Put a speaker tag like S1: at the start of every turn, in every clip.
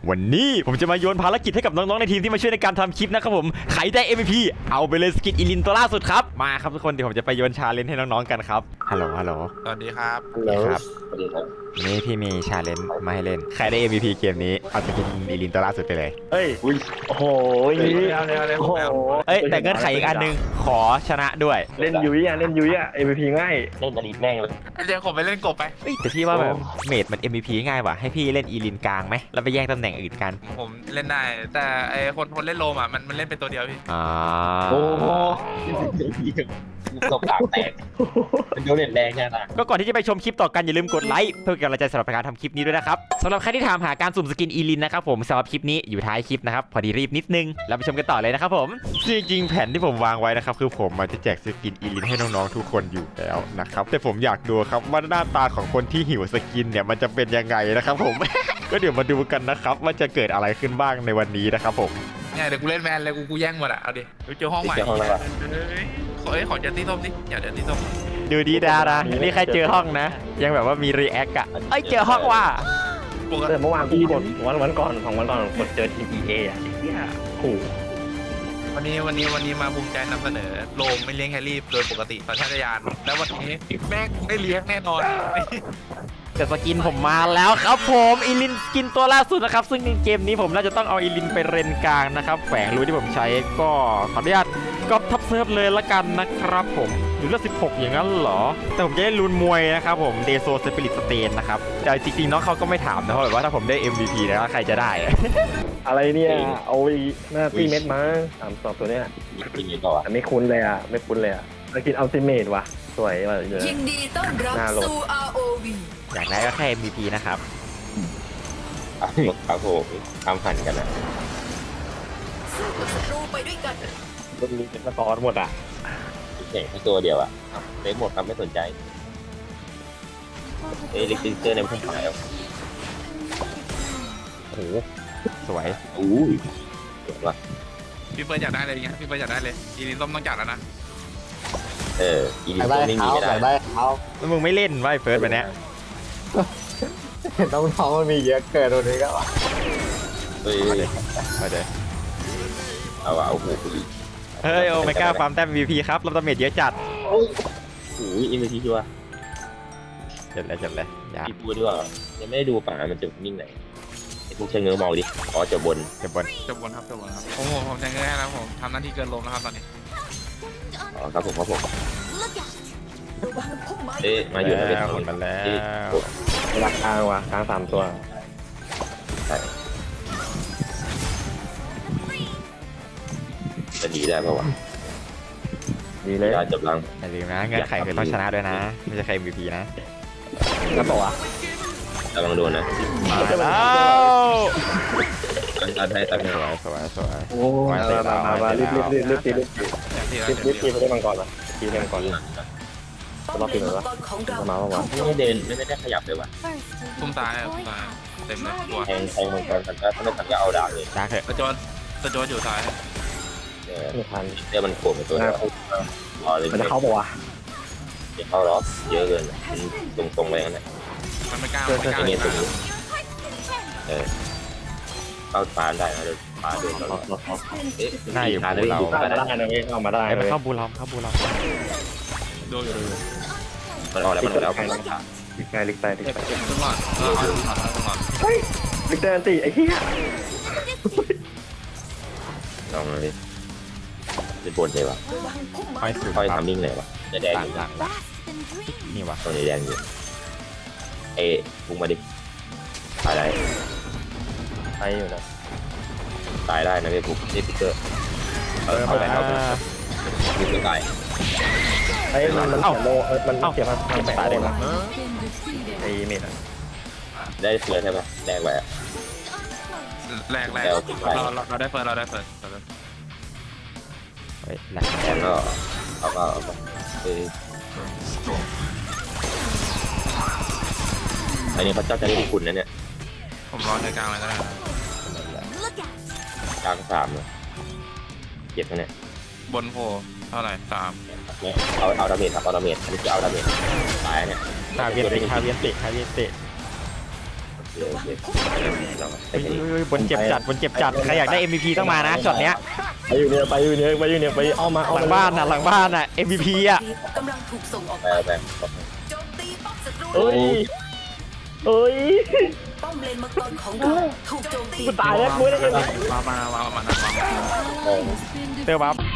S1: วันนี้ผมจะมาโยนภารกิจให้กับน้องๆในทีมที่มาช่วยในการทำคลิปนะครับผมใครได้ MVP เอาไปเลยสกินอีลินตัวล่าสุดครับมาครับทุกคนเดี๋ยวผมจะไปโยนชาเลนจ์ให้น้องๆกันครับฮัลโหล
S2: สวัสดีครับ
S1: ครับนี่พี่มีชาเลนจ์มาให้เล่นใครได้ MVP เกมนี้เอาสกินอีลินตัวล่าสุดไปเลย
S3: เฮ้ยโอ้โหโอ้โห
S1: เอ้ยแต่เงื่อนไขอีกอันนึงขอชนะด้วย
S3: เล่นยุ้ยอ่ะMVP ง่ายเล่นอดีตแม่งเลย
S2: เรียกผมไปเล่นกบไป
S1: เอ้ยแต่พี่ว่าแบบเมดมัน MVP ง่ายว่ะให้พี่เล่นอีลินกลางไหมแล้วไปแย่งตำแหน่งอื่นกัน
S2: ผมเล่นได้แต่ไอคนเล่นโลมอ่ะมันเล่นเป็นตัวเดียวพี่
S3: โอ้โห
S4: ตกปากแตกเป็นโดนเน็ตแรงแค่ไหน
S1: ก็ก่อนที่จะไปชมคลิปต่อกันอย่าลืมกดไลค์เพื่อเป็นกำลังใจสำหรับการทำคลิปนี้ด้วยนะครับสำหรับใครที่ถามหาการสุ่มสกินอีลินนะครับผมสำหรับคลิปนี้อยู่ท้ายคลิปนะครับพอดีรีบนิดนึงเราไปชมกันต่อเลยนะครับผมจริงๆแผนที่ผมวางไว้นะครับคือผมจะแจกสกินอีลินให้น้องๆทุกคนอยู่แล้วนะครับแต่ผมอยากดูครับว่าหน้าตาของคนที่หิวสกินเนี่ยมันจะเป็นยังไงนะครับผม ก็เดี๋ยวมาดูกันนะครับว่าจะเกิดอะไรขึ้นบ้างในวันนี้นะครับผม
S2: เนี่ยเดี๋ยวกูเล่นแมนเลยกูแย่งหมดอ่ะเอาดิเจอห้องใหม่ขอเจอที่ส้มดิอย่าเจอที่ส้ม
S1: ดูดีดานะนี่ใครเจอห้องนะยังแบบว่ามีรีแอคอะเอ้ยเจอห้องว่ะ
S3: แต่เมื่อวานพี่กดวันก่อน2 วันก่อนกดเจอทีม EA อ่ะเนี่ยโอ้
S2: วันนี้มาภูมิใจนำเสนอโลมไม่เลี้ยงแฮร์รี่โดยปกติสัญชาตญาณแล้ววันนี้แม่งไม่เลี้ยงแน่นอน
S1: แต่สกินผมมาแล้วครับผมอีลินสกินตัวล่าสุดนะครับซึ่งในเกมนี้ผมน่าจะต้องเอาอีลินไปเรนกลางนะครับแฝงรูที่ผมใช้ก็ขออนุญาตก๊อปทับเซิร์ฟเลยละกันนะครับผมอยู่เลือด16อย่างนั้นเหรอแต่ผมจะได้ลุ้นมวยนะครับผมเดโซสปิริตสเตนนะครับแต่จริงๆน้องเขาก็ไม่ถามนะเพราะแบบว่าถ้าผมได้ MVP นะใครจะได้
S3: อะไรเนี่ยเอาหน้าตีเม็ดมา3 ตัวเนี้ยไม่คุ้นเลยอ่ะไม่คุ้นเลยอ่ะสกินอัลติเมทว่ะสวยว่ะ
S5: ยินดีต้อนรับสู่ ROV
S1: อยากได้ก็แค่ MVP นะครับ
S4: ครับผมทำหันกันนะ
S5: สู้กับศัตรูไปด้วยกัน
S3: รุ่นนี้เป็นสกอร์หมดอ่ะ
S4: แข่งแค่ตัวเดียวอ่ะเล่นหมดครับไม่สนใจลิกเตอร์ในพุ่งหาย
S1: โอ้โหสวย
S4: อู้ยสวยว่ะ
S2: พี่เปิ้ลอยากได้เลยเงี้ยพี่เปิ้ลอยากได้เลยอีลินส้มต้องจัดแล้วนะ
S4: อีลินส้มไม่มีไม่ได้
S1: แล้วมึงไม่เล่นไว้เฟิร์สไปเนี้ย
S3: น้องมันมีเยอะเกินตัวนี้ก็ว่ะ
S1: มาเลย
S4: เอาโอ้โห
S1: เฮ้ยโอเมก้าฟาร์มแต้ม MVP ครับรับดาเมจเยอะจัด
S4: โอ้ยอินเวสชัวร์
S1: จัดเลย
S4: พี่พูดด้วยยังไม่ได้ดูป่ามันจะนิ่งไหนไอ้พวกเชิงเงือมองดิอ๋อจะบน
S2: ครับผมจะเงยแล้วผมทำหน้าที่เกินลมนะครับตอนนี้
S4: อ๋อครับผมมาอยู่ในเป็น
S1: คนมาแล้ว
S3: รักกลางว่ะกลาง3 ตัว
S4: จะดีได้ป่าวะ
S3: ดีเลย
S4: จบลัง
S1: อย่าลืมนะเงื่อนไขคือต้องชนะด้วยนะไม่ใช่ใคร MVP นะ
S3: แล้วบอกว่า
S4: ระวังโดนนะ
S1: มาแล้ว
S4: ตัดให้
S1: สวย
S3: โอ้มารีบไปได้มังกรละตีได้มังกรรอบตีหน่อยวะมาว่ะ
S4: ไม่เดินไม่ได้ขยับเลยว่ะ
S2: ตุ้มตายเต็มเลยตัว
S4: แทงมังกรกันก็ถ้าไม่ทันก็เอาดาบเลย
S1: ดาบเถอะ
S2: ตะโจนอยู่ซ้าย
S3: ไม่ทัน
S4: เดี๋ยวมันโผล่มาตัว
S3: มันจะเข้าปะวะ
S4: จะเข้าล็อกเยอะเกินตรงไปนั่นแหละ
S2: มันไม่กล้า
S4: เข้าปานได้นะเดี๋ยวปานเดินเรา
S1: หน้าอยู่บูเรา
S3: ได้นะไม่เข้ามาได้
S1: ไม่เข้าบูเรา
S2: ดูอยู่
S4: มันออกแล้วลิกไต
S3: เฮ้ยลิกเตอร์ตีไอ้เหี้ย
S4: ลองเลยเป็นบนเลยวะค่อยทำมิ่งเลยวะจะแดงอยู่
S1: นี่วะ
S4: ตรงนี้แดงอยู่พุ่งมาดิตายได้
S3: อยู่นะ
S4: ตายได้นะพี่ปุ๊บนี่พิกเกอร์เข้าไปพิกเกอร์ตาย
S3: มันเสียมันตายได้ไหมไอ้เมด
S4: ได้เฟิร์สใช่ไหมแรกไว้
S2: แรกเราได้เฟิร์ส
S4: แล้วก็เอาอันนี้พระเจ้าจะได้คุณนะเนี่ย
S2: ผมรอในกลางเลยก็ได้
S4: กลาง3เลยเจ็บนะเนี่ย
S2: บนโผล่เท่าไหร่3
S4: เอาดาเมจครับเอาดาเมจอันนี้คือเอาดาเมจตายเนี่ย
S1: คาเวียนติ
S4: โอเคเราไป
S1: เฮ้ยบนเจ็บจัดบนเจ็บจัดใครอยากได้ MVP ต้องมานะช็อตเนี้ย
S3: ไปอยู่เนี่ยไปเอามา
S1: หลังบ้านน่ะหลังบ้านน่ะ MVP อ่ะ
S5: กำลังถูกส่งออก
S4: ไป
S5: ไป
S4: ไป
S5: โจมตีป้อมศัตรู
S3: เอ้ยเอ้ย
S5: ป้อมเลนมังกรของเราถูกโจมตี
S3: กูตายแล้วกูได้ยังไง
S2: มานะมา
S1: เตอร์บัฟ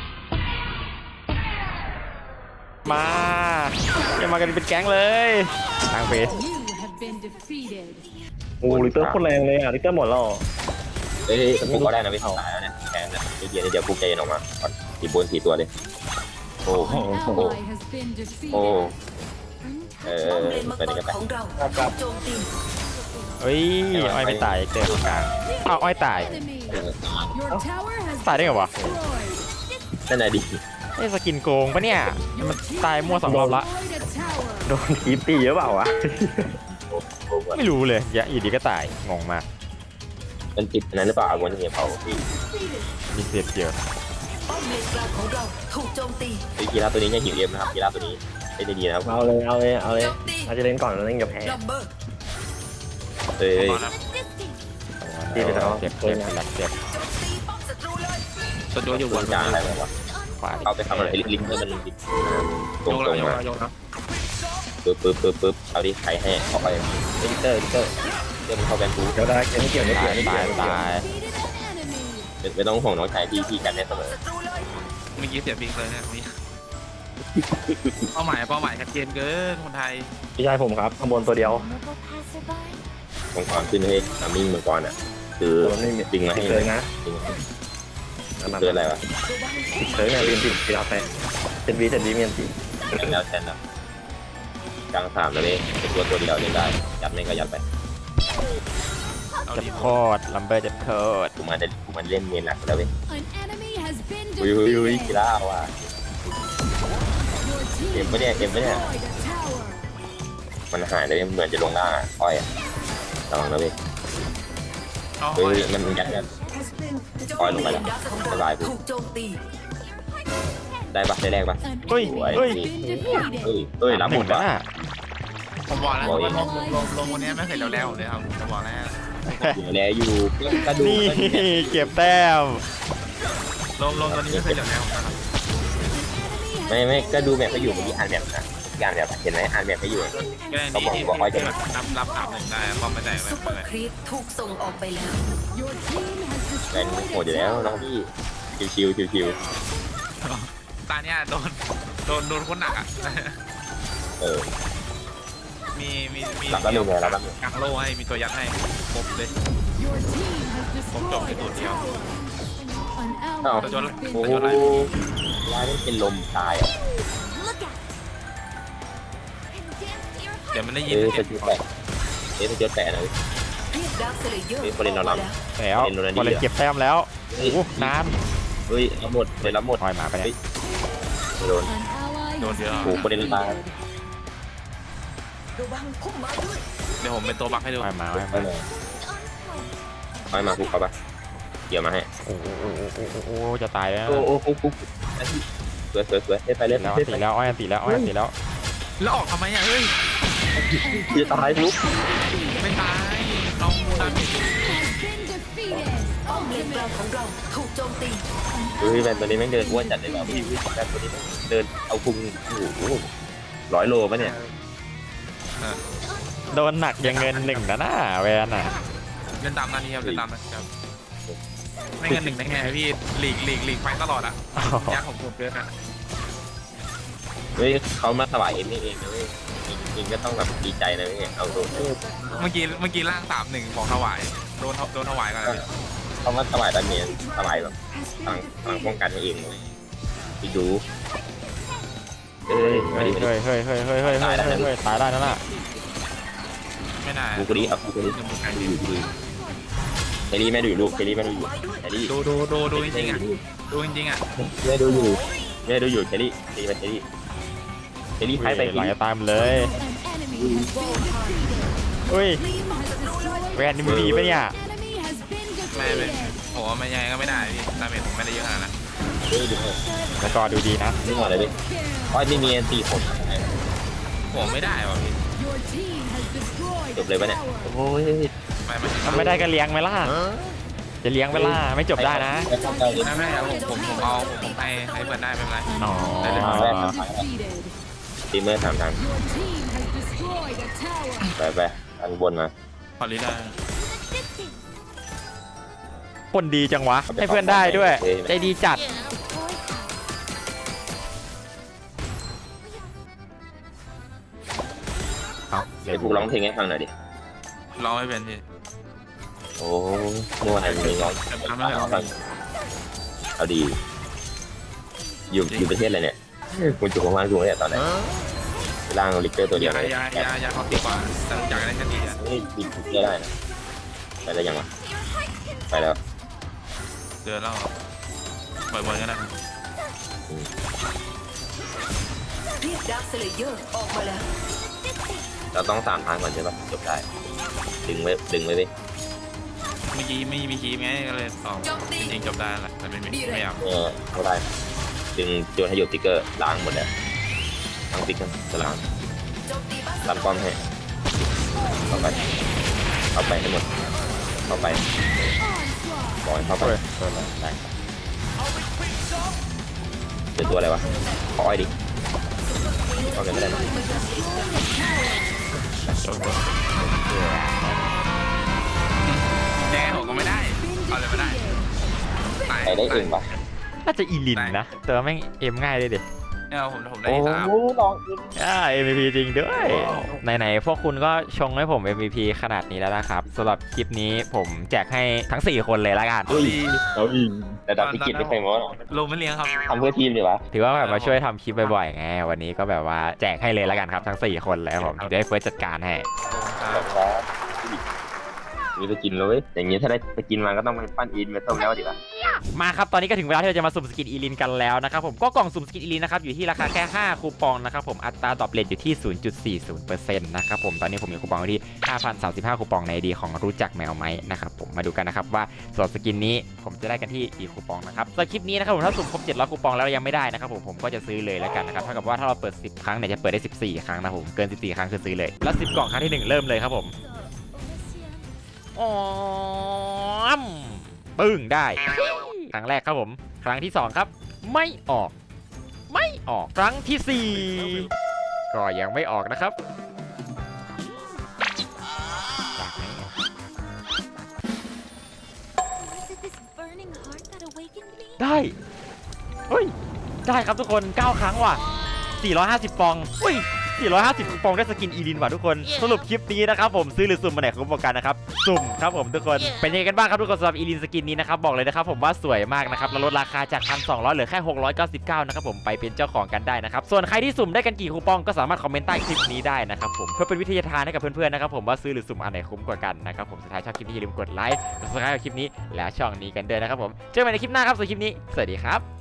S1: มาอย่ามากันเป็นแก๊งเลยทางเฟส
S6: You have been defeated.
S3: โอ้ลิเตอร์โคตรแรงเลยอ่ะลิเตอร์หมดแล้ว
S4: เฮ้ยกูก็ได้นะพี่ตายแล้วเนี่ยแทนเดี๋ยวกูใจเย็นออกมาก่อนตีบน4ตัวเลยโอ้โห
S6: An ally has been
S4: โอ้
S6: defeated.
S5: ป้อมเลนมังกรของเราถูกโจมตี
S1: เฮ้ยอ้อยไม่ตายเจอตรงกลางอ้าวอ้อยตาย
S6: Enemy. Your tower has
S1: ตายได้ไงวะ
S6: destroyed.
S4: นั่นแหละดิ
S1: ไอ้สกินโกงปะเนี่ยมันตายมั่ว2 รอบละ
S6: Destroyed a tower.
S3: โดนทีมตีเยอะเปล่าวะ
S1: ไม่รู้เลยอยู่ดีก็ตายงงมาก
S4: มันติดนั้นหรือเปล่าวันนี้เผาพี่
S1: มีเสียเยอะ
S5: ป้อมเลนกลางของเราถูกโจมตี
S4: ไอ้กีฬาตัวนี้ยังหิวเอ็มนะครับกีฬาตัวนี้เล่นได้ดีนะครับ
S3: เอาเลยอาจจะเล่นก่อนแล้วเล่นกับแพ้
S5: ลัมเบอร์
S4: เฮ้ย
S3: ตีไปแล้ว
S1: เจ็บหลักเจ็บ
S5: โจมตีป้อมศัตรูเลย
S2: ตัวโยอยู่
S4: ตัวจางอะไรวะ
S1: ขวา
S4: เอาไปทำอะไรลิงก์ให้มันตรง
S2: โย
S4: ตรง
S2: แล้ว
S4: มา
S2: โยแล้ว
S4: ปึ๊บเอาดิใครให้เอาไปลิเตอร์เรื่องมันเข้าแบนทู
S3: เดี๋ยวได้ไม่เกี่ยว
S1: ตาย
S6: Defeated an enemy.
S4: ไม่ต้องห่วงน้องชายที่กันได้เสมอ
S5: ศัตรูเลย
S2: เมื่อกี้เสียบิงเลยเนี่ยมีเป้าหมายชัดเจนเกินคนไทย
S3: พี่ชายผมครับข้างบนตัวเดียว
S4: มังกรขึ้นให้ทำมิ่งมังกรอ่ะคือจริงมาให้
S3: เคยนะ
S4: จริงเกินอะไรวะ
S3: เคยนะเรียนติดกีฬาแพ้เจ็ดวีเมียนตี
S4: แล้วแทนนะกลาง3แล้วเว้ยเป็นตัวเดียวเล่นได้ยัดไม่ก็ยัดไป
S2: เอา
S1: เจ็บ
S2: ดี
S1: โคตรลัมเบอร์เจ็บโคตร
S4: กูมันเล่นเมนหนักแล้วเว้ย
S6: An enemy has been
S4: อุ้ยกี
S6: defeated.
S4: ฬาว่ะ
S6: Your team
S4: เอ็มไม่ได้
S6: destroyed a tower.
S4: มันหายเลยเหมือนจะลงล่างอ้อยระวังนะเว้ย
S2: เอา
S4: เฮ้ยมันยัดกัน
S5: ป้อม
S4: ลงไป
S5: เล
S4: แล้ว
S5: นดักของ
S4: สบาย
S5: เราถูกโจมตี
S4: ได้ปะได้แรกปะ
S6: An
S1: เฮ้ย
S6: enemy
S1: เฮ้ย
S6: has been defeated.
S4: เฮ้ยรับหมด
S1: แล้ว
S4: วะ
S1: น่ะ
S2: ผมบอกแล้วลงวันนี้ไม่เคยแล้วเลยครับผมบอกแล้ว
S4: อยู่แล้วอยู่กระดู
S1: นี่เก็บแต้ม
S2: ลงตัวนี้ไม่เคยแล้วนะครับ
S4: ไม่ก็ดูแบบเขาอยู่เมื่อกี้อ่านแบบนะอ่านแบบเห็นไหมอ่านแบบเขาอยู่
S2: ก็ได้นี่ที่รับถามหนึ่งได้ป้อมไม่ได้ไม่
S5: ซุปเปอ
S2: เป็นไร
S5: ร์ครีปถูกส่งออกไปแล้ว
S6: Your team has
S4: แรง
S6: destroyed
S4: โหดอยู่
S6: a
S4: แล้วน้อง
S6: tower.
S4: พี่ชิว
S2: ตาเนี้ยโดนคนหนักอ่ะ
S4: เออ
S2: มี
S4: รับแล้วหนึ่งเลยรับแล้วหนึ่ง
S2: กางโล่ให้มีตัวยัดให้ครบเลย
S6: Your team has
S2: ผมจบใน
S6: destroyed
S2: ตัว
S6: a
S2: เดียว
S6: tower. An
S4: อ้าว
S6: ally has been
S4: โอ้โห
S6: defeated.
S4: ร้ายนี่เป็นลมตายอ่ะ
S2: เดี๋ยวมันได้ยิน
S4: เอ้ย
S2: เสี
S4: จะ
S2: ยง
S4: จุดแตกเอ้ยจะจุดแตกนะ
S5: เรียกดาร์คเซเลเยอร์
S4: มีคนเล่นเรารับ
S1: แล้ว
S4: เห็นโดนอันนี้
S1: พอเลยเก็บแต้มแล้ว
S4: เฮ้ย
S1: โอ้นาน
S4: เฮ้ยรับหมดเลยรับหมด
S1: ถอยมาไปเนี่ย
S4: โดน
S6: An ally has
S2: โดนเยอะ
S4: โอ้โหประเด็นตาย
S5: ระวังพุ่มไม้ด้วย
S2: เดี๋ยวผมเป็นตัวบักให้ดู
S1: ถอยมา
S4: ไปเลยไปมาคุกเขาปะเกี่ยวมาให้
S1: โอ้โหจะตายแล้ว
S4: โอ้โหคุกสวยไปเล่น
S1: แล้วตีแล้วอ้อยตีแล้วอ้อยตีแล้ว
S2: แล้วออกทำไมอ่ะเฮ้ย
S4: จะตายทุก
S2: ไม่ตายน้องมูดัน
S6: been defeated.
S5: ป้อมเลนกลางของเราถูกโจมตี
S4: เฮ้ยแบนตัวนี้แม่งเดินอ้วนจัดเลยว่ะพี่แบนตัวนี้เดินเอาพุงโอ้โห100 โลปะเนี่ย
S1: โดนหนักยังเงินหนึ่งนะน่าแวนอ่ะ
S2: เล่นตามนาทีครับเล่นตามนะครับไม่เงินหนึ่งได้ไงพี่หลีกไฟตลอดอ่ะยักษ์ผมเกินอ่ะ
S4: เฮ้ยเขามาถวายเอ็มนี่เองนะเว้ยเองก็ต้องแบบดีใจนะเว้ยเอาตัว
S2: เมื่อกี้ร่าง3-1บอกถวายโดนถวายกันเลย
S4: เขามาถวายตอนนี้ถวายแบบพลังป้องกันให้เองเลยไปดูเฮ้ย
S1: เฮ้ยตายได้นั่นน่ะ
S2: ไม่น่า
S4: กูกรีเอากูกรีดูเฮลี่แม่ดูอยู่ลูกเฮลี่แม่ดูอยู่เฮลี่
S2: ดูจริงๆอ่ะดูจริงๆอ่ะ
S4: แม่ดูอยู่เฮลี่เฮลี่ไปเฮลี่ไป
S1: หลังจะตายหมดเลย
S6: An enemy has been defeated.
S1: เฮ้ย
S6: Team has destroyed.
S1: แวนนี่มีปะเนี่ย
S6: Enemy has been
S2: ไม่
S6: defeated.
S2: โหมันยังไงก็ไม่ได้พี่ดาเมจผมไม่ได้เยอะขนาดนั้น
S4: เฮ้ยดู
S1: แล้วก็ดูดีนะ
S4: นี่หมดเลยดิ
S6: Kill.
S4: อ้อยไม่มีตีผล
S2: โหไม่ได้ว่ะพี่
S6: Your team has destroyed
S4: จบเลยปะเนี่ย โอ้ย
S1: ทำไม่ได้ก็เลี้ยงไหมล่ะจะเลี้ยงไหมล่ะไม่จบได้นะ
S4: ไม่เข้าใจเลย
S2: ไม่ผมให้เพื่อนได้ไม่เป็นไร
S1: อ๋อ
S6: defeated.
S4: ทีมเมอร์ถามทาง
S6: Your team has destroyed a tower.
S4: ไปอันบนมา
S2: พอลีได้
S1: คนดีจังวะให้เพื่อนได้ด้วยใจดีจัดเอา
S4: ไอ้พวกร้องเพลงให้ฟังหน่อยดิ
S2: ร้องไม่เป็นพี่
S4: โอ้เมื่อวานมีร้อง
S2: ทำไม่ได้หรอ
S4: เอาดี อยู่ประเทศอะไรเนี่ยคุณจุกมากจุกเนี่ยตอนไหนร่างลิกเตอร์ตัวเดียวเลย
S2: ยาเขาตีกว่าแต่อยากได้แค่ดีอ่ะ
S4: นี่ดีลิกเตอร์ได้นะไปแล้วยังวะไปแล้ว
S2: เดือนแล้วเปิดบอลก็ได้
S5: เรียกดาร์คสเลเยอร์ออกมาแล้ว
S4: เราต้อง3 ทางก่อนใช่ปะจบได้ ดึงไว้ดิ
S2: เมื่อกี้ไม่มีคีมไงก็เลยตอบจริงจบได้แหละแต่ไม่อยาก
S4: ไม่ได้ ดึงโจนให้หยุดติ๊กเกอร์ล้างหมดแล้วทั้งติ๊กทั้งสลาม
S5: โจมตีบ้าน
S4: ตามป้อมให้เข้าไปให้หมดเข้าไปบอยเข้าไปได้เจอตัวอะไรวะขออ้อยดิเอาเงินไม่ได้นะ
S2: แย่ผมก็ไม่ได้เอาเลยไม่ได้
S4: ใครได้เองปะ
S1: น่าจะอีลินนะแต่ว่าแม่งเอ็มง่ายเลยดิ
S2: เนี่ยผมได้
S4: โอ้
S2: 3
S4: ลองเอง
S1: MVP จริงด้วยไหนๆพวกคุณก็ชงให้ผม MVP ขนาดนี้แล้วนะครับสำหรับคลิปนี้ผมแจกให้ทั้ง4คนเลยละกัน
S4: เอาอีกแต่ดับพิกิจไม่เคยมั้ง
S2: ลงไม่เลี้ยงครับ
S4: ทำเพื่อทีมดีวะ
S1: ถือว่าแบบมาช่วยทำคลิปบ่อยๆไงวันนี้ก็แบบว่าแจกให้เลยละกันครับทั้ง4คนเลยครับผมเดี๋ยวให้เฟิร์สจัดการให้
S4: มีไปกินเลยอย่างนี้ถ้าได้ไปกินมาก็ต้องไปปั้นอินไปต้มแล้วดีกว่า
S1: มาครับตอนนี้ก็ถึงเวลาที่เราจะมาสุ่มสกินอีลินกันแล้วนะครับผมก็กล่องสุ่มสกินอีลินนะครับอยู่ที่ราคาแค่5คูปองนะครับผมอัตราดรอปเรทอยู่ที่ 0.40% นะครับผมตอนนี้ผมมีคูปองอยู่ที่ 5,035 คูปองในดีของรู้จักแมวไหมนะครับผมมาดูกันนะครับว่าส่วนสกินนี้ผมจะได้กันที่กี่คูปองนะครับสำหรับคลิปนี้นะครับผมถ้าสุ่มครบ700คูปองแล้วยังไม่ได้นะครับผมก็จะซื้อเลยแล้วกันนะครับเท่ากับว่าถ้าเราเปิด10ครั้งเนี่ยจะเปิดได้14ครั้งนะครับผมเกิน14ครั้งคือซื้อเลยแล้ว10กล่องครั้งที่1เริ่มเลยครับผมอ๋อปึ้งได้ครั้งแรกครับผมครั้งที่2ครับไม่ออกครั้งที่4ก็ยังไม่ออกนะครับจากไหนอะ
S6: Was it this burning heart that awakened me?
S1: ได้เฮ้ยได้ครับทุกคน9ครั้งว่ะ450ปองอุ้ย450ปองได้สกินอีลินว่ะทุกคนสรุปคลิปนี้นะครับผมซื้อหรือสุ่มมาไหนคุ้มกว่ากันนะครับสุ่มครับผมทุกคนเป็นยังไงกันบ้างครับทุกคนสำหรับอีลินสกินนี้นะครับบอกเลยนะครับผมว่าสวยมากนะครับแล้วลดราคาจาก 1,200 เหลือแค่699นะครับผมไปเป็นเจ้าของกันได้นะครับส่วนใครที่สุ่มได้กันกี่คูปองก็สามารถคอมเมนต์ใต้คลิปนี้ได้นะครับผมเพื่อเป็นวิทยาทานให้กับเพื่อนๆนะครับผมว่าซื้อหรือสุ่มอันไหนคุ้มกว่ากันนะครับผมสุดท้ายชอบคลิปนี้อย่าลืมกดไลค์กดซับสไครต์กับคลิปนี้และช่องนี้กันด้วยนะครับผมเจอกันในคลิปหน้าครับสำหรับคลิปนี้สวัสดีครับ